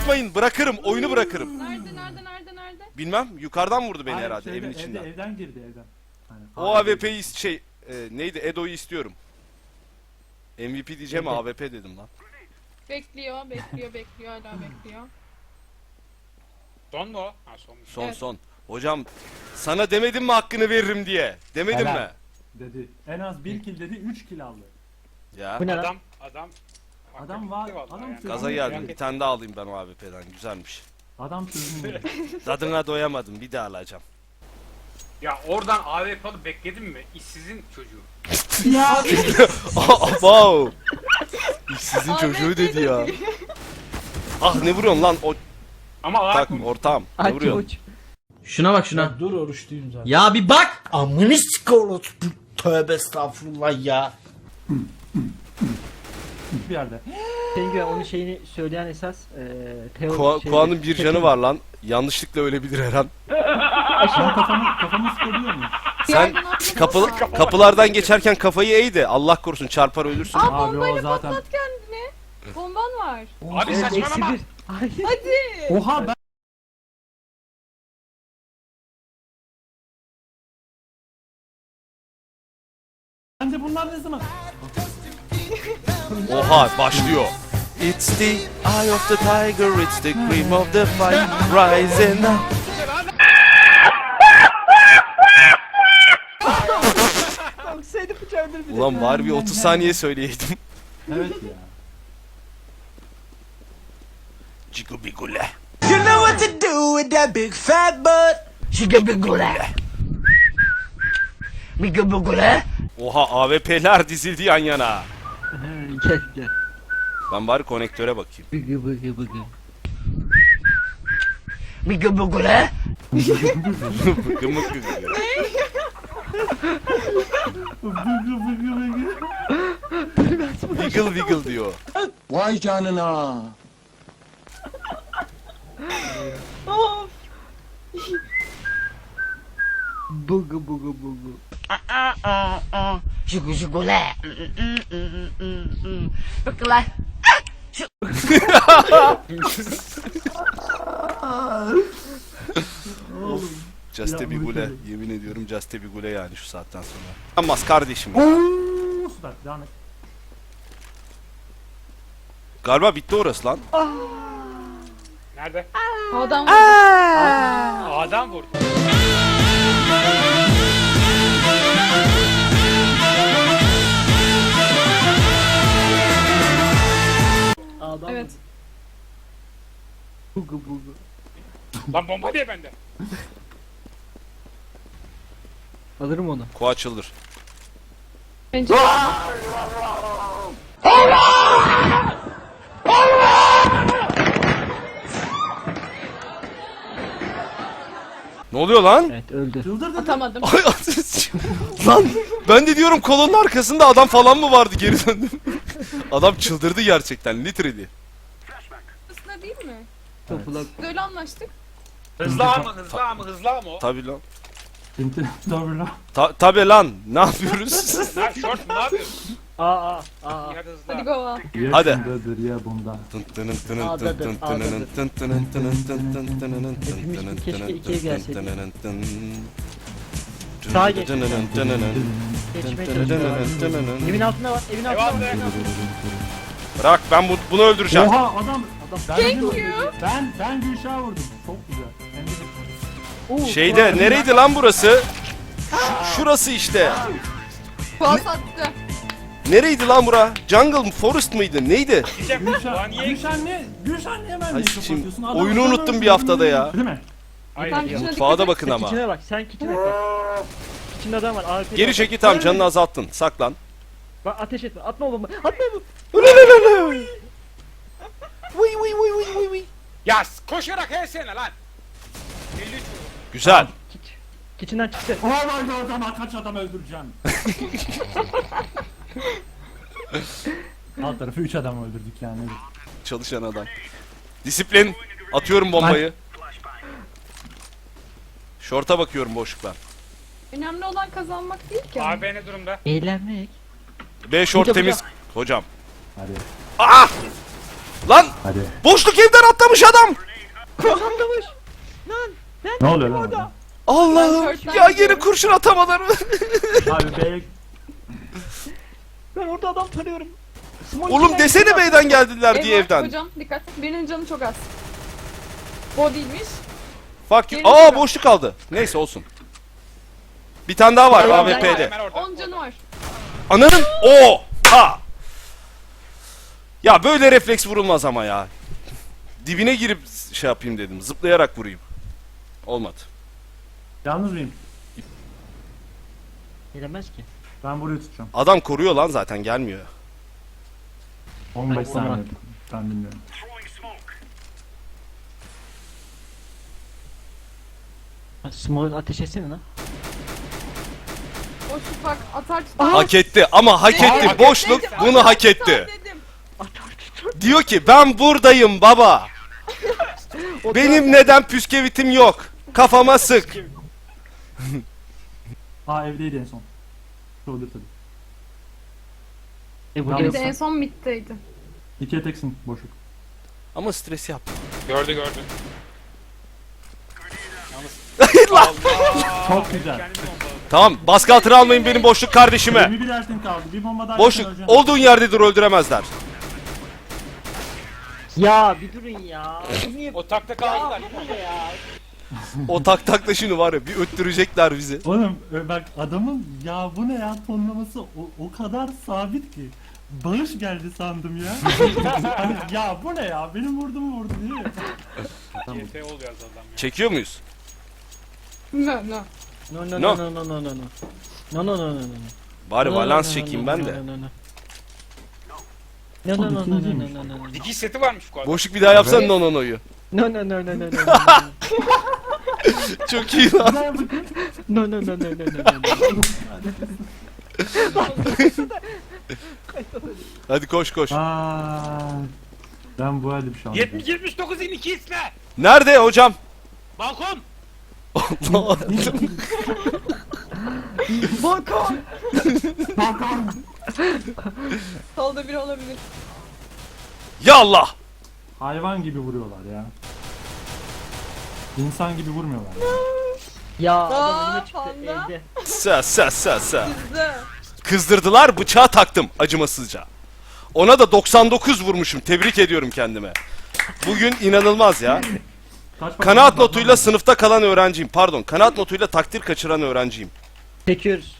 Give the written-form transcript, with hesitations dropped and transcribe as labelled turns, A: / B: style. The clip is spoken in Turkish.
A: Yaklaşmayın. Bırakırım. Oyunu bırakırım.
B: Nerede?
A: Bilmem. Yukarıdan vurdu beni
C: Hayır,
A: herhalde
C: şeyde,
A: evin içinden.
C: Evden girdi evden. Hani,
A: O AWP'yi neydi? Edo'yu istiyorum. MVP diyeceğim
C: Evet.
A: AWP dedim lan.
B: Bekliyor hala bekliyor.
D: Son mu o? Ha sonmuş.
A: Son
B: Evet.
A: son. Hocam sana demedim mi hakkını veririm diye? Demedim
C: Helal.
A: mi?
C: Dedi. En az 1 kill dedi, 3 kill aldı.
A: Ya.
E: Bu ne lan?
D: Adam
C: Adam var,
D: vallahi
C: adam
D: yani.
C: sözünü
A: Gaza
C: dinliyor.
A: geldim. Bir tane daha alayım ben o AWP'den. Güzelmiş.
C: Adam sözünü dinliyor.
A: Tadına doyamadım. Bir daha alacağım.
D: Ya oradan AWP'lı bekledim mi? İşsizin çocuğu.
C: Ya
A: Wow. Sizin
B: AWP
A: çocuğu dedi ya.
B: dedi.
A: Ah ne vuruyorsun lan? O
D: Ama
A: tak
D: mı?
A: ortağım. Ne
E: Aç
A: vuruyorsun?
E: uç.
F: Şuna bak şuna.
C: dur oruçluyum zaten.
F: Ya bir bak.
G: Amını sikolos. Tövbe estağfurullah ya.
C: Bir yerde.
E: Penguen onun şeyini söyleyen esas Teo
A: Koa'nın bir canı var lan. Yanlışlıkla ölebilir her an.
C: Ben kafamı sıkabiliyor muyum?
A: Sen kapılardan geçerken kafayı eğ de Allah korusun çarpar ölürsün.
C: Abi o zaten.
B: Patlat kendini. Bomban var.
D: Abi saçmalama.
E: Hayır.
B: Hadi.
C: Oha ben. Ben de bunlar ne zaman?
A: Oha başlıyor. It's the eye of the tiger, it's the cream of the fight rising up.
E: Seni bıçağı öldür bir de.
A: Ulan var bir 30 saniye söyleyeydim.
C: Evet ya.
A: Cigubigule.
G: You know what to do with that big fat butt. Şigabigule. Migabigule.
A: Oha AWP'ler dizildi yan yana.
E: Gel gel.
A: Ben bari konektöre bakayım.
E: Bıgı bıgı bıgı.
G: Migabigule.
A: Bıgı mıgı gı. Wiggle wiggle diyor.
G: Vay canına.
E: Bıgı bıgı bıgı.
G: Şigule. Bıkla.
A: Juste bir
C: Ya,
A: gule.
C: mükemmel.
A: Yemin ediyorum Juste bir gule yani şu saatten sonra. Yanmaz kardeşim.
C: Ooo sudak devam et.
A: Galiba bitti orası lan.
D: Nerede?
B: Adam
D: Adam vurdu.
E: Adam.
B: Evet.
E: Bıgı bıgı.
D: Lan bomba diye bende.
E: Alırım onu.
A: Koa açılır.
B: Pencere.
A: Ne oluyor lan?
E: Evet öldü.
C: Çıldırdın.
B: Atamadım.
A: Ay, lan ben de diyorum kolonun arkasında adam falan mı vardı geri döndüm. Adam çıldırdı gerçekten literally.
B: Aslında değil mi?
E: Topulak.
B: Öyle anlaştık.
D: Hızlı ama hızlı ama o.
A: Tabi lan.
C: Doğru lan.
A: Tabi lan ne yapıyoruz?
D: Ne short mu ne yapıyorsun?
E: Aa.
D: İyi hadi hızlı.
B: Hadi go.
C: Ya
A: Hadi.
C: şundadır ya bunda.
E: Hepimiz keşke ikiye gelseydik. Sağa geç. Geçmeye çalışıyorum. Evin altında var. Evin altında var.
D: Eyvallah.
A: Bırak ben bunu öldüreceğim.
C: Oha adam.
B: Thank you.
C: Ben Gülşah'a vurdum. Çok güzel. Hem de-
E: Oo,
A: Şeyde nereydi lan burası? Şurası işte.
B: Kuas attı.
A: Nereydi lan bura? Jungle mı? Forest mıydı? Neydi?
D: Diyeceğim. Ulan niye?
C: Gülşah niye ben
A: Ay,
C: de
A: şimdi
C: kapatıyorsun? Adam
A: oyunu
C: adam
A: unuttum bir
C: öldürdü,
A: haftada ya.
C: Değil mi?
D: Hayır.
B: Sen kişine
A: Mutfağa
B: dikkat
A: da
B: et.
A: bakın ama.
E: Kitchen'e bak. Sen kitchen'e bak. Kitchen'de adam var. AWP 'de
A: Geri
E: var.
A: çekil tamam canını azalttın. Saklan.
E: Bak ateş etme. Atma oğlum. Atma oğlum.
D: Ya koşarak helsene lan. 53 vurdu.
A: Güzel.
E: Kitchen'den çıktı.
C: Oh my god adam kaç adam öldüreceğim. Alt tarafı 3 adam öldürdük yani.
A: Çalışan adam. Disiplin. Atıyorum bombayı. Şorta bakıyorum boşluktan.
B: Önemli olan kazanmak değil ki.
D: AB ne durumda?
E: Eğlenmek.
A: B şort
E: Hocam,
A: temiz. Hocam.
C: Hadi.
A: Lan
C: Hadi.
A: boşluk evden atlamış adam.
E: Atlamış.
C: Ne oluyor lan orada?
A: Allah'ım
B: Ben short'tan
A: ya yine
B: gidiyorum.
A: kurşun atamadılar.
C: Abi B
E: Ben orada adam tanıyorum. Small
A: Oğlum
E: killer
A: desene
E: yapıyor.
A: beyden geldiler
B: Ev
A: diye
B: var,
A: evden.
B: Hocam dikkat. Birinin canı çok az. O değilmiş.
A: Fuck you.
B: Gelin
A: Aa
B: şuraya.
A: boşluk kaldı. Neyse olsun. Bir tane daha var
E: Hemen
A: AWP'de.
D: Hemen orada.
B: 10 canı var.
A: Ananın o ha. Ya böyle refleks vurulmaz ama ya. Dibine girip şey yapayım dedim. Zıplayarak vurayım. Olmadı.
C: yalnız mıyım?
E: Gelemez ki.
C: Ben burayı tutacağım.
A: Adam koruyor lan zaten gelmiyor.
C: 15
E: Ay,
C: saniye.
E: olmaz.
C: Ben bilmiyorum.
E: Small ateş etsene lan.
B: Boşluk bak atar tutar.
A: Hak etti ama hak etti.
D: hak
A: Boşluk
B: Dedim,
A: bunu
B: atar
A: hak
B: tutar
A: etti.
B: dedim.
A: Diyor ki ben buradayım baba. Benim neden püskevitim yok? Kafama sık.
C: Aa evdeydi en son. Shoulder tabii.
E: Bu
C: Yalnız-
B: Bir de
E: gelsin.
B: en son middeydi.
C: İkiye teksin boşluk.
A: Ama stres yap.
D: Gördü.
C: Çok güzel.
D: Kendini bombaladı.
A: Tamam baskı altına almayın benim boşluk kardeşime.
C: 21 ertin kaldı. Bir bomba daha
A: Boşluk
C: yapsan
A: olduğun yerde dur öldüremezler.
E: Ya bir durun ya. Niye?
D: O takta kaldılar.
A: O tak takla şimdi var ya bir öttürecekler bizi.
C: Oğlum bak adamın ya bu ne ya tonlaması o kadar sabit ki. Bağış geldi sandım ya. Hani, ya bu ne ya benim vurduğumu vurdu diye.
D: GT ol yaz adam ya.
A: Çekiyor muyuz?
B: No no.
E: No
A: No.
E: no no no no no no. No no no no no.
A: Bari
E: No,
A: balans
E: no,
A: çekeyim
E: no,
A: ben
E: no,
A: de.
E: no, no, no. No no no no no no no no.
D: Dikiş seti varmış bu arada.
A: Boşluk bir daha yapsana nononoyu.
E: No no no no no no.
A: Çok iyi lan.
C: Güzel bakın.
E: No no no no no no.
A: Hadi koş koş.
C: Aa, ben bu halde bir şey anladım.
D: 79 in 2 isle.
A: Nerede hocam?
D: Balkon.
A: Allah.
E: Balkon.
B: Solda biri olabilir.
A: Ya Allah.
C: Hayvan gibi vuruyorlar ya. İnsan gibi vurmuyorlar.
E: Ya
B: Aa,
E: adam önüme çıktı
B: panda.
E: evde.
A: Sa.
B: Bizde.
A: Kızdırdılar bıçağı taktım acımasızca. Ona da 99 vurmuşum. Tebrik ediyorum kendime. Bugün inanılmaz ya.
C: Kaç
A: Kanaat notuyla sınıfta kalan öğrenciyim. Pardon, kanaat notuyla takdir kaçıran öğrenciyim.
E: Çekiyoruz.